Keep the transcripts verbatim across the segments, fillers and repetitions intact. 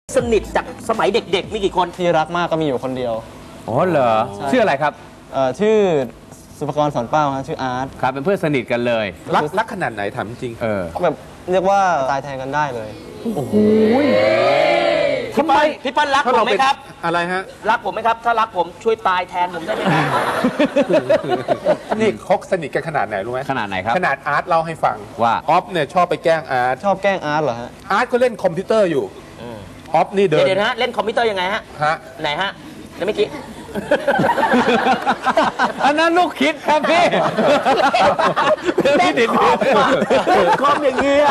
สนิทจากสมัยเด็กๆมีกี่คนที่รักมากก็มีอยู่คนเดียวอ๋อเหรอชื่ออะไรครับเอ่อชื่อสุภกรสอนเป้าครับชื่ออาร์ตครับเป็นเพื่อนสนิทกันเลยรักรักขนาดไหนถามจริงเออแบบเรียกว่าตายแทนกันได้เลยโอ้โหทำไมพี่ปั้นรักผมไหมครับอะไรฮะรักผมไหมครับถ้ารักผมช่วยตายแทนผมได้ไหมครับนี่คบสนิทกันขนาดไหนรู้ไหมขนาดไหนครับขนาดอาร์ตเล่าให้ฟังว่าออฟเนี่ยชอบไปแกล้งอาร์ตชอบแกล้งอาร์ตเหรอฮะอาร์ตก็เล่นคอมพิวเตอร์อยู่ออฟนี่เดินเดี๋ยวนะเล่นคอมพิวเตอร์ยังไงฮะฮะไหนฮะแล้วเมื่อกี้อันนั้นลูกคิดครับพี่เล่นคอมเล่นคอมอย่างเงี้ย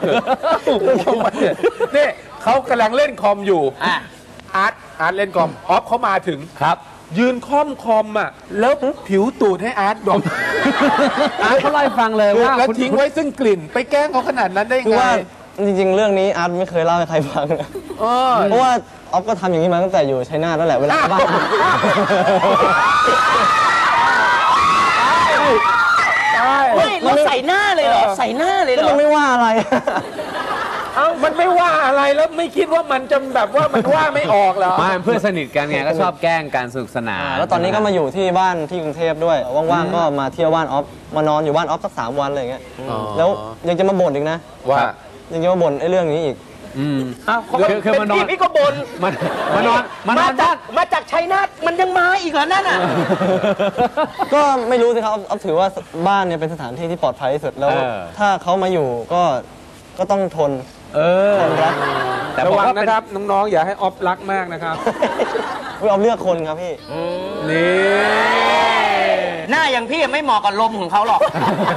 นี่เขากำลังเล่นคอมอยู่อาร์ตอาร์ตเล่นคอมออฟเขามาถึงครับยืนค่อมคอมอ่ะแล้วผิวตูดให้อาร์ตดมอาร์ตเขาไล่ฟังเลยว่าแล้วทิ้งไว้ซึ่งกลิ่นไปแกล้งเขาขนาดนั้นได้ไงจริงๆเรื่องนี้อาร์ตไม่เคยเล่าให้ใครฟังเพราะว่าออฟก็ทำอย่างนี้มาตั้งแต่อยู่ชัยนาทนั่นแหละเวลาบ้านไม่เราใส่หน้าเลยเหรอใส่หน้าเลยเหรอมันไม่ว่าอะไรเอ้ามันไม่ว่าอะไรแล้วไม่คิดว่ามันจะแบบว่ามันว่าไม่ออกเหรอมาเพื่อนสนิทกันไงก็ชอบแกล้งการสนุกสนานแล้วตอนนี้ก็มาอยู่ที่บ้านที่กรุงเทพด้วยว่างๆก็มาเที่ยวบ้านออฟมานอนอยู่บ้านออฟสักสามวันอะไรอย่างเงี้ยแล้วยังจะมาบ่นอีกนะว่ายังจะมาบ่นไอ้เรื่องนี้อีกอืมอ้าวคือคือมานอนพี่ก็บ่นมันมานอนมานอนจากมาจากชัยนาทมันยังมาอีกเหรอนั่นอ่ะก็ไม่รู้สิครับเอาถือว่าบ้านเนี่ยเป็นสถานที่ที่ปลอดภัยที่สุดแล้วถ้าเขามาอยู่ก็ก็ต้องทนเออทนรักแต่ระวังนะครับน้องๆอย่าให้ออฟรักมากนะครับออฟเลือกคนครับพี่นี่หน้าอย่างพี่ไม่เหมาะกับลมของเขาหรอก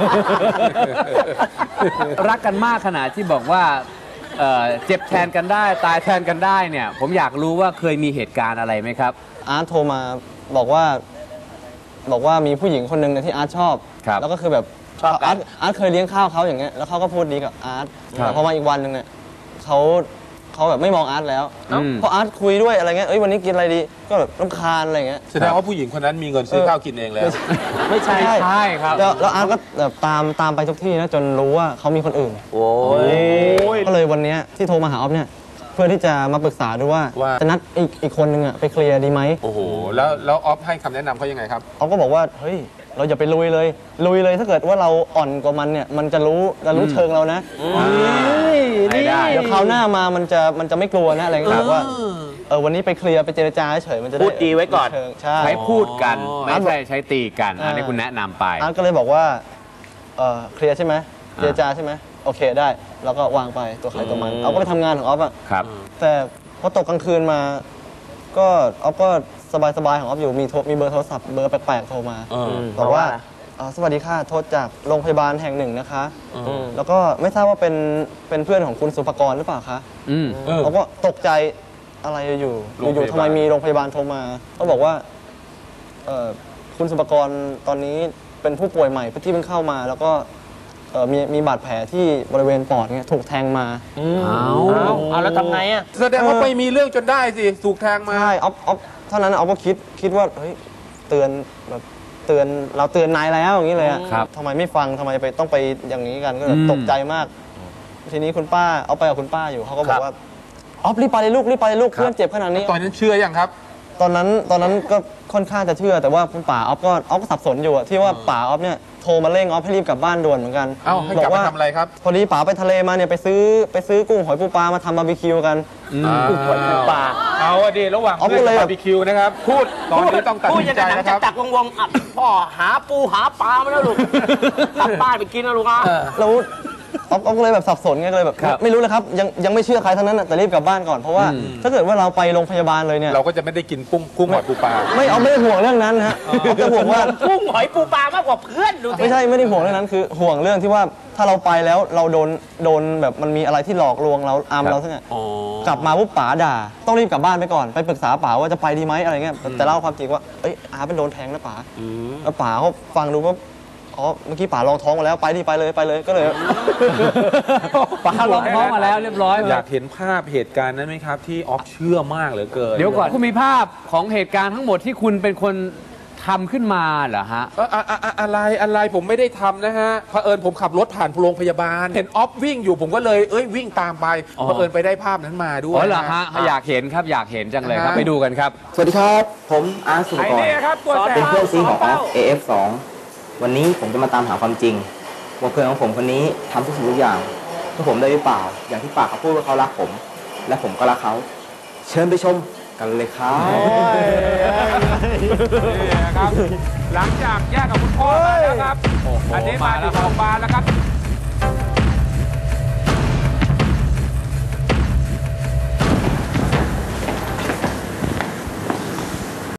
รักกันมากขนาดที่บอกว่าเจ็บแทนกันได้ตายแทนกันได้เนี่ยผมอยากรู้ว่าเคยมีเหตุการณ์อะไรไหมครับอาร์ตโทรมาบอกว่าบอกว่ามีผู้หญิงคนหนึ่งที่อาร์ตชอบแล้วก็คือแบบชอบอาร์ตอาร์ตเคยเลี้ยงข้าวเขาอย่างเงี้ยแล้วเขาก็พูดดีกับอาร์ตแต่พอมาอีกวันหนึ่งเนี่ยเขาเขาแบบไม่มองอาร์ตแล้วเพราะอาร์ตคุยด้วยอะไรเงี้ยเอ้ยวันนี้กินอะไรดีก็แบบรำคาญอะไรเงี้ยแสดงว่าผู้หญิงคนนั้นมีเงินซื้อข้าวกินเองแล้วไม่ใช่ใช่ครับแล้วอาร์ตก็แบบตามตามไปทุกที่นะจนรู้ว่าเขามีคนอื่นโอ้ยก็เลยวันนี้ที่โทรมาหาออฟเนี่ยเพื่อที่จะมาปรึกษาดูว่าจะนัดอีกอีกคนนึงอะไปเคลียร์ดีไหมโอ้โหแล้วแล้วออฟให้คำแนะนำเขายังไงครับออฟก็บอกว่าเฮ้ยเราอย่าไปลุยเลยลุยเลยถ้าเกิดว่าเราอ่อนกว่ามันเนี่ยมันจะรู้จะรู้เชิงเรานะนี่เดี๋ยวคราวหน้ามามันจะมันจะไม่กลัวนะอะไรเงี้ยว่าเออวันนี้ไปเคลียร์ไปเจรจาเฉยมันจะพูดดีไว้ก่อนใช้พูดกันไม่ใช่ใช้ตีกันอันนี้คุณแนะนำไปอาร์ตก็เลยบอกว่าเออเคลียร์ใช่ไหมเจรจาใช่ไหมโอเคได้แล้วก็วางไปตัวใครตัวมันเอาก็ไปทำงานของออฟอะครับแต่พอตกกลางคืนมาก็ออฟก็สบายๆของออฟอยู่มีมีเบอร์โทรศัพท์เบอร์แปลกๆโทรมาบอกว่าสวัสดีค่ะโทรจากโรงพยาบาลแห่งหนึ่งนะคะแล้วก็ไม่ทราบว่าเป็นเป็นเพื่อนของคุณสุภกรหรือเปล่าคะเขาก็ตกใจอะไรอยู่อยู่ทำไมมีโรงพยาบาลโทรมาเขาบอกว่าคุณสุภกรตอนนี้เป็นผู้ป่วยใหม่ที่เพิ่งเข้ามาแล้วก็มีมีบาดแผลที่บริเวณปอดเนี่ยถูกแทงมาเอาเอาแล้วทำไงอ่ะแสดงว่าไปมีเรื่องจนได้สิถูกแทงมาใช่ออฟออฟเท่านั้นออฟก็คิดคิดว่าเฮ้ยเตือนแบบเตือนเราเตือนนายแล้วอย่างนี้เลยอ่ะทำไมไม่ฟังทำไมไปต้องไปอย่างนี้กันก็ตกใจมากทีนี้คุณป้าเอาไปกับคุณป้าอยู่เขาก็บอกว่าออฟรีบไปเลยลูกรีบไปเลยลูกเพื่อนเจ็บขนาดนี้ตอนนั้นเชื่อยังครับตอนนั้นตอนนั้นก็ค่อนข้างจะเชื่อแต่ว่าคุณป๋าออฟก็ออฟก็สับสนอยู่ที่ว่าป๋าออฟเนี่ยโทรมาเร่งออฟให้รีบกลับบ้านด่วนเหมือนกันเอ้าให้กลับมาทำอะไรครับพอดีป๋าไปทะเลมาเนี่ยไปซื้อไปซื้อกุ้งหอยปูปลามาทำบาร์บีคิวกันกุ้งหอยปูปลาเอาอะดีระหว่างเพื่อนบาร์บีคิวนะครับพูดตอนนี้ต้องตัดสินใจนะครับจักวงวงพ่อหาปูหาปลามาแล้วลูกกลับบ้านไปกินนะลูกอ่ะแล้วออฟก็เลยแบบสับสนไงเลยแบบไม่รู้เลยครับยังยังไม่เชื่อใครทั้งนั้นแต่รีบกลับบ้านก่อนเพราะว่าถ้าเกิดว่าเราไปโรงพยาบาลเลยเนี่ยเราก็จะไม่ได้กินกุ้งกุ้งหอยปูปลาไม่เอาไม่ได้ห่วงเรื่องนั้นฮะจะห่วงว่ากุ้งหอยปูปลามากกว่าเพื่อนดูไม่ใช่ไม่ได้ห่วงเรื่องนั้นคือห่วงเรื่องที่ว่าถ้าเราไปแล้วเราโดนโดนแบบมันมีอะไรที่หลอกลวงเราอามเราทั้งนั้นกลับมาปุ๊บป๋าด่าต้องรีบกลับบ้านไปก่อนไปปรึกษาป๋าว่าจะไปดีไหมอะไรเงี้ยแต่เล่าความจริงว่าเอ้ยอาเป็นโดนแทงนะป๋าแล้วป๋าเขาฟังดูว่าอ๋อเมื่อกี้ป๋าลองท้องมาแล้วไปดิไปเลยไปเลยก็เลยป๋าลองท้องมาแล้วเรียบร้อยอยากเห็นภาพเหตุการณ์นั้นไหมครับที่ออฟเชื่อมากเหลือเกินเดี๋ยวก่อนคุณมีภาพของเหตุการณ์ทั้งหมดที่คุณเป็นคนททำขึ้นมาเหรอฮะเอ่ออะอะอะอะไรอะไรผมไม่ได้ทำนะฮะเผอิญผมขับรถผ่านโรงพยาบาล เห็นออฟวิ่งอยู่ผมก็เลยเอ้ยวิ่งตามไปอ๋อเผอิญไปได้ภาพนั้นมาด้วยอ๋อเหรอฮะอยากเห็นครับอยากเห็นจังเลยครับอ่าฮะไปดูกันครับสวัสดีครับ ผมอาร์ตสุภไอ้กรนี่ครับตัวแสเป็นบเพื่อนซีของออฟ เอ เอฟ สอง วันนี้ผมจะมาตามหาความจริงว่าเพื่อนของผมคนนี้ทำทุกสิ่งทุกอย่างเพื่อผมได้หรือเปล่า อย่างที่ปากเขาพูดว่าเขารักผม และผมก็รักเขา เชิญไปชมกันเลยครับนี่นะครับหลังจากแยกกับคุณพ่อมาแล้วครับ อันนี้มาที่โรงพยาบาลแล้วครับ